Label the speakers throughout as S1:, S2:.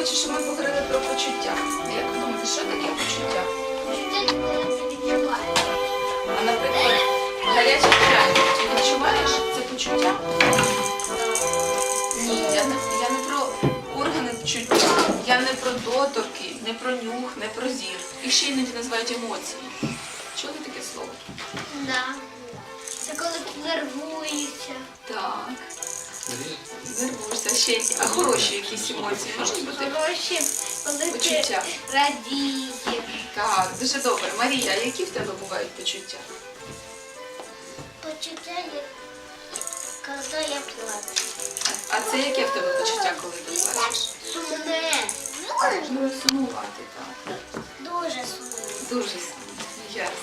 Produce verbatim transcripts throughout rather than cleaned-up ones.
S1: хочу, щоб ми поговорили про почуття. Як ви думаєте, що таке почуття? А, наприклад, гарячий пряник. Ти відчуваєш це почуття? Ні, я не, я не про органи чуття. Я не про доторки, не про нюх, не про зір. І ще іноді називають емоції. Чули таке слово?
S2: Да. Це коли нервуєшся.
S1: Так. Нервуєшся. Ще які. А хороші якісь емоції можуть бути?
S2: Хороші, коли
S1: Почуття.
S2: ти радієш.
S1: Так, дуже добре. Марія, які в тебе бувають почуття?
S2: Почуття, як коли я плачу.
S1: А це яке в тебе почуття, коли ти плачеш?
S2: Сумне.
S1: Можливо, сумувати, так.
S2: Дуже сумне.
S1: Дуже сумно. Ясно.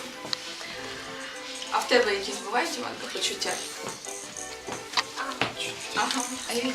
S1: А в тебе якісь бувають, Іванка, почуття? Ага. А які?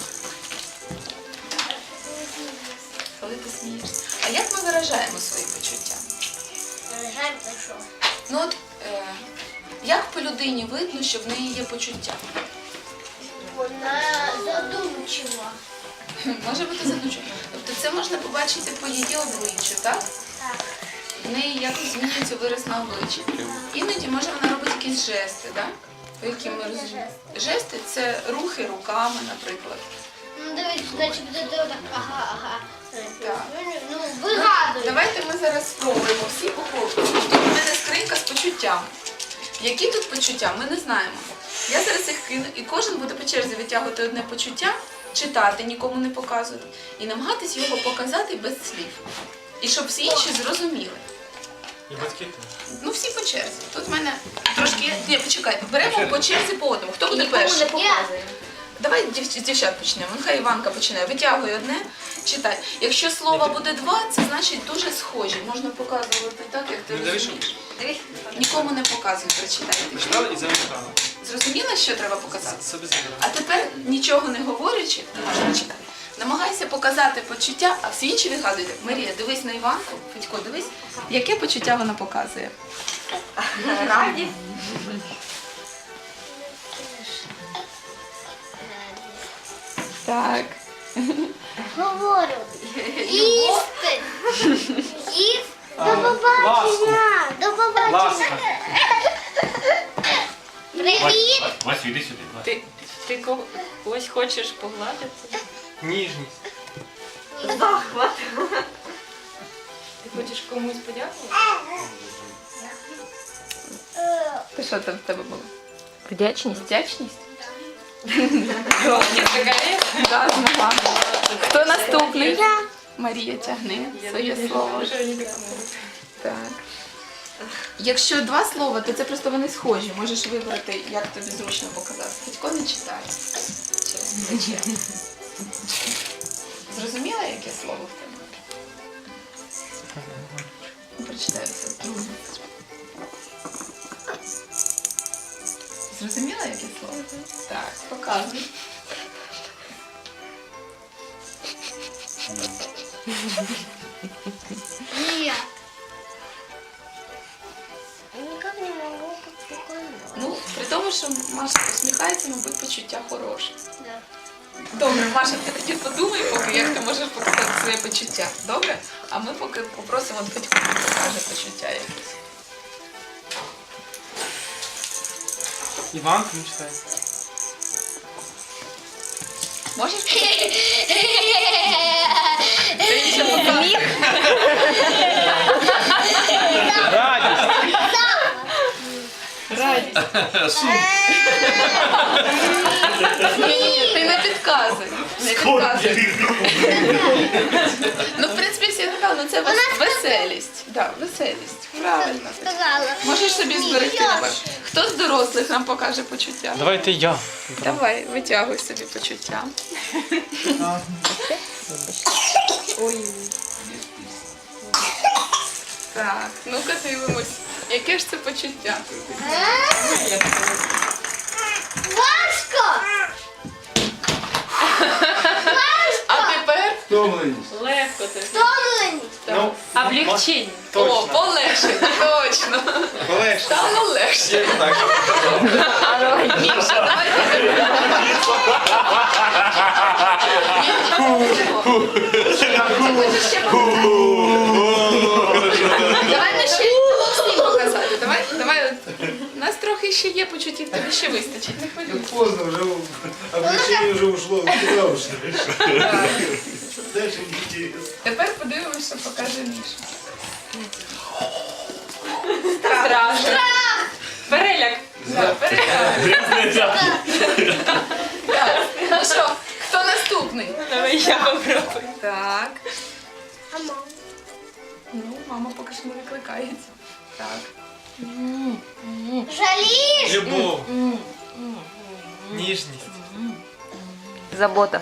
S1: Коли ти смієшся. А як ми виражаємо свої почуття?
S2: Виражаємо за що?
S1: Ну от, е, як по людині видно, що в неї є почуття?
S2: Вона задумчива.
S1: Може бути задумчиво. Тобто це можна побачити по її обличчю, так?
S2: Так.
S1: В неї якось змінюється вираз на обличчі. Іноді може вона робити якісь жести, так? По яким ми розуміємо. Жести – це рухи руками, наприклад.
S2: Ну, дивись, значить, буде так, ага, ага.
S1: Так.
S2: Ну, вигадуй.
S1: Давайте ми зараз спробуємо всі по колу. Тут у мене скринька з почуттям. Які тут почуття, ми не знаємо. Я зараз їх кину, і кожен буде по черзі витягувати одне почуття, читати, нікому не показувати, і намагатись його показати без слів. І щоб всі інші зрозуміли.
S3: І батьки теж.
S1: Ну всі по черзі. Тут в мене трошки... Ні, почекайте, беремо по черзі по одному. Хто буде перший? Давай дів... з дівчат почнемо. Нехай Іванка починає. Витягуй одне, читай. Якщо слова буде два, це значить дуже схожі. Можна показувати так, як ти
S3: Ну, дивись,
S1: розумієш. Нікому не показуй, прочитай.
S3: Прочитали і замикали.
S1: Зрозуміла, що треба показати?
S3: Собі забирали.
S1: А тепер, нічого не говорячи, можна читати. Намагайся показати почуття, а всі інші вигадуйте. Марія, дивись на Іванку. Федько, дивись, яке почуття вона показує.
S2: Раді.
S1: Так.
S2: Говорю. Їсти. Їсти. До
S3: А,
S2: побачення. До побачення.
S3: Ласка.
S2: Привіт.
S4: Вась, іди сюди. Вась.
S5: Ти, ти кого- когось хочеш погладити?
S3: Ніжність.
S2: Захват.
S5: Ти хочеш комусь подякувати?
S1: Ти що там в тебе було?
S5: Вдячність.
S1: Вдячність?
S5: Так,
S1: Да, хто наступний? Марія, тягни своє слово. Так. Якщо два слова, то це просто вони схожі. Можеш вибрати, як тобі зручно показати. Федько не читає. Через плече. Зрозуміла, яке слово в тебе? Прочитай все. Зрозуміла, яке слово? Так, показуй.
S2: Ні. Никак не могу спокойно.
S1: Ну, при тому, що Маша посміхається, мабуть, почуття хороше.
S2: Да.
S1: Добре, Маша, ти тоді подумай, поки як ти можеш показати своє почуття. Добре? А ми поки попросимо Федьку, покаже почуття якесь.
S3: Іванка, не читай.
S1: Можеш показати? Це інше показує.
S3: Радість.
S1: Радість. Ні, ти не підказуй. Не підказуй. Ну, в принципі, всі сказали, ну це вес- веселість. Так, веселість. Правильно.
S2: Сказала.
S1: Можеш собі зберегти номер. Хто з дорослих нам покаже почуття?
S3: Давайте я.
S1: Давай, витягуй собі почуття.
S5: Ой.
S1: Так, ну-ка дивимось. Яке ж це почуття?
S2: Важко.
S1: А тепер
S3: Втомленість.
S5: Легко ти.
S2: Втомленість.
S3: Ну,
S5: Облегчення.
S1: о,
S3: точно.
S1: полегше, точно.
S3: Полегше.
S1: Стало легше.
S3: Я так же показав.
S1: Міша, давай тебе. Міша, хочеш ще показати? Давай ми ще всім показати. Давай, давай. от. У нас трохи ще є почуттів, тобі ще вистачить. Не хвилюйся.
S4: Поздно, уже облегчение уже ушло куда уж.
S1: Так.
S4: Дальше интересно.
S1: Тепер подивимося, що покаже Міша.
S5: Страшно. Переляк.
S1: Так, перегляд. Так. Ну що, хто наступний?
S5: Давай я попробую.
S1: Так.
S2: А мама?
S1: Ну, мама поки що не викликається. Так.
S2: Жалієш?
S6: Любов. Ніжність.
S5: Забота.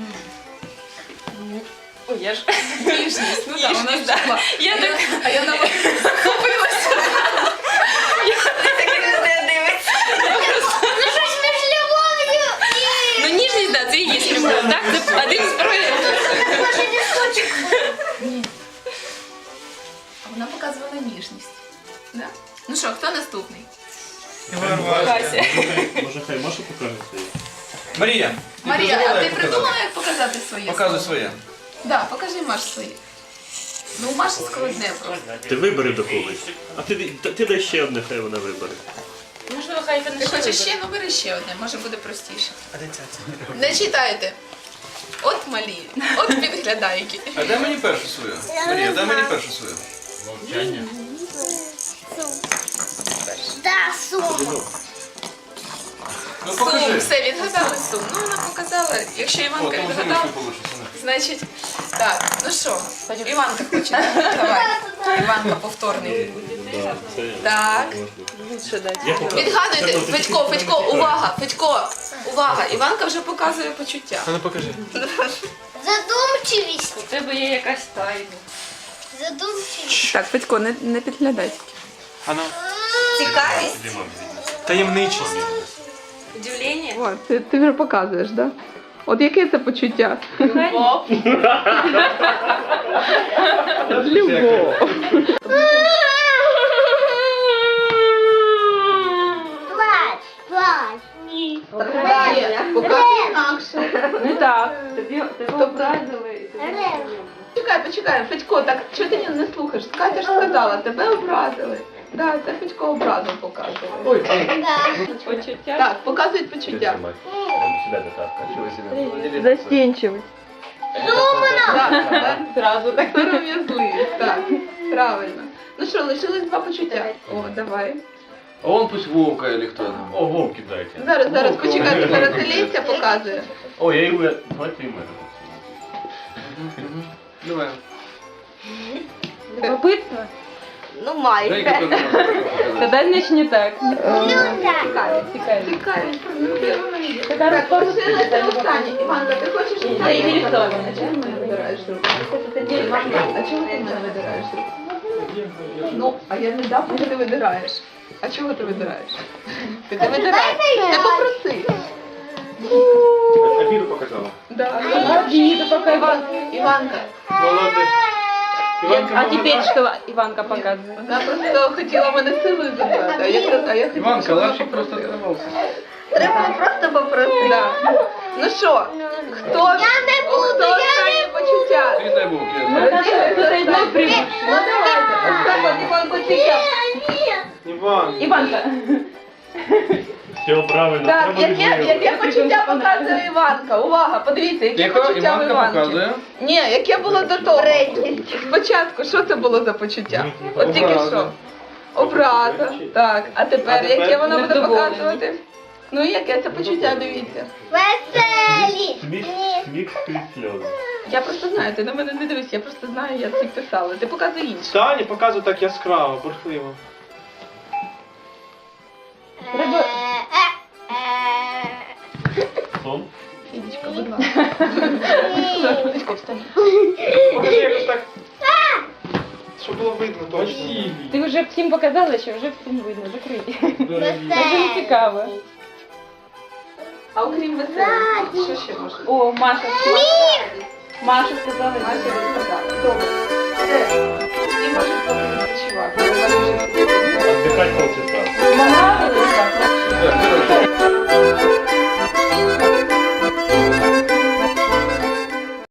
S5: Ой, я ж.
S1: Ніжність. Ну так, вона ж була.
S5: Я так.
S1: А я на захопилася.
S2: Ну щось між любов'ю і...
S5: Ну ніжність, так, це і є любов. Так, це один з проявів.
S2: Може не схочу.
S1: А вона показувала ніжність. Да? Ну що, хто наступний?
S5: Кася.
S3: Може, хай Маша покаже своє?
S6: Марія.
S1: Марія, а
S6: придумала,
S1: ти
S6: як
S1: придумала, як показати своє?
S6: Показуй
S1: слово?
S6: своє.
S1: Да, покажи Маш своє. Ну, у Маші складне просто.
S3: Ти вибери до когось. А ти, ти, ти дай ще одне, хай вона вибере.
S5: Можливо, хай
S1: Ти
S5: вона
S1: хочеш ще? Ну бери ще одне, може буде простіше. Не читайте. От малі, от підглядайки.
S6: А дай мені першу свою. Марія, дай мені першу свою.
S3: Мовчання.
S2: Да, сумка.
S6: Ну
S1: Сум,
S6: покажи.
S1: все, відгадали сум. Ну, вона показала. Якщо
S6: О,
S1: Іванка
S6: там вже
S1: відгадав,
S6: не получиться.
S1: значить, так, ну що, Іванка хоче. Давай. Іванка повторний.
S3: Да, це
S1: Так.
S5: лучше дати.
S3: Я покажу.
S1: Відгадуйте,
S3: Це
S1: Федько, Федько, увага, Федько, увага. Іванка вже показує почуття.
S6: А ну покажи.
S2: Задумчивість.
S5: У тебе є якась тайна.
S2: Задумчивість.
S1: Так, Федько, не, не підглядай.
S6: А ну.
S1: Цікавість?
S6: Таємничість.
S5: Удивлення.
S1: О, ти, ти вже показуєш, так? Да? От яке це почуття?
S5: Любов.
S1: Любов.
S2: Плач, плач.
S1: Показує інакше.
S5: Не так. Тобі тебе образили.
S2: Рев.
S1: Почекай, почекай, Федько, так чого ти не слухаєш? Катя ж сказала, тебе образили. Так, це Федько образу показує.
S2: Да.
S5: Почуття.
S1: Так, показують почуття.
S3: Сюди до татка.
S5: Застінчивість.
S1: Так, так, зразу так сором'язливість. Так, правильно. Ну що, лишилось два почуття. О, давай.
S6: А он пусть Вовка или кто.
S3: О, вовки дайте.
S1: Зараз, зараз, почекай, зараз Леся показує.
S3: О, я його... Давайте і мене.
S6: Давай.
S5: Любопитно?
S2: Ну,
S6: Дай
S2: майже.
S5: Тоді не так.
S2: Ну, так.
S5: Цікаві.
S1: Цікавість, ну, є.
S5: Така
S1: Так,
S5: розповідь.
S1: лишилося останнє. Іванка, ти хочеш останнє?
S5: Заінтересована.
S1: А чому ти мене видираєш руку? Іванка, а чому ти мене видираєш руку? Ну, а я не дам, поки ти видираєш. А чого ти видираєш? Ти не видираєш. Ти попроси.
S3: Афіру показала.
S1: Да.
S5: Обиду пока
S1: Іван, Іванка,
S3: Молодець.
S5: А теперь что Иванка показывает?
S1: вона просто хотіла мене силою забрати, а я, а я хотіла,
S6: Иванка,
S1: щоб вона
S6: лапчик просто
S1: попросила.
S6: оторвался.
S1: Треба просто попросити. Да. Ну що, хто, хто останнє почуття?
S6: Передай Вовке.
S1: Ну давайте, останнє Іван почуття.
S6: Иван.
S5: Иванка.
S3: Все правильно.
S1: Так,
S3: треба
S1: яке,
S3: відмовити.
S1: яке почуття показує Іванка? Увага, подивіться, яке
S6: Тихо,
S1: почуття в
S6: Іванка
S1: Іванки.
S6: показує.
S1: Ні, яке було до того? Спочатку, що це було за почуття? От тільки
S6: Образа.
S1: що. Образа. Так, а тепер,
S3: А тепер
S1: яке воно буде
S5: невдоволення.
S1: показувати? Ну, яке це почуття, дивіться.
S2: Веселі.
S3: Сміх, сміх крізь сльози.
S1: Я просто знаю, ти на мене не дивись, я просто знаю, я це писала. Ти показуй інше.
S7: Тані показує так яскраво, бурхливо.
S2: Треба...
S3: Сон.
S1: Фідічка, будь ласка. Федечко, встань.
S7: Покажи якось так. Щоб було видно точно.
S5: Ти вже всім показала, що вже всім видно, закрий. Це не цікаво.
S1: А окрім веселих, що ще можна?
S5: О, Маша. Маша сказала.
S1: Маша розказала. Добре. Все. Ти можеш поки відпочивати. Я бачу, що ти
S3: Отдыхать полчаса.
S5: Понравилось?
S6: Да, короче.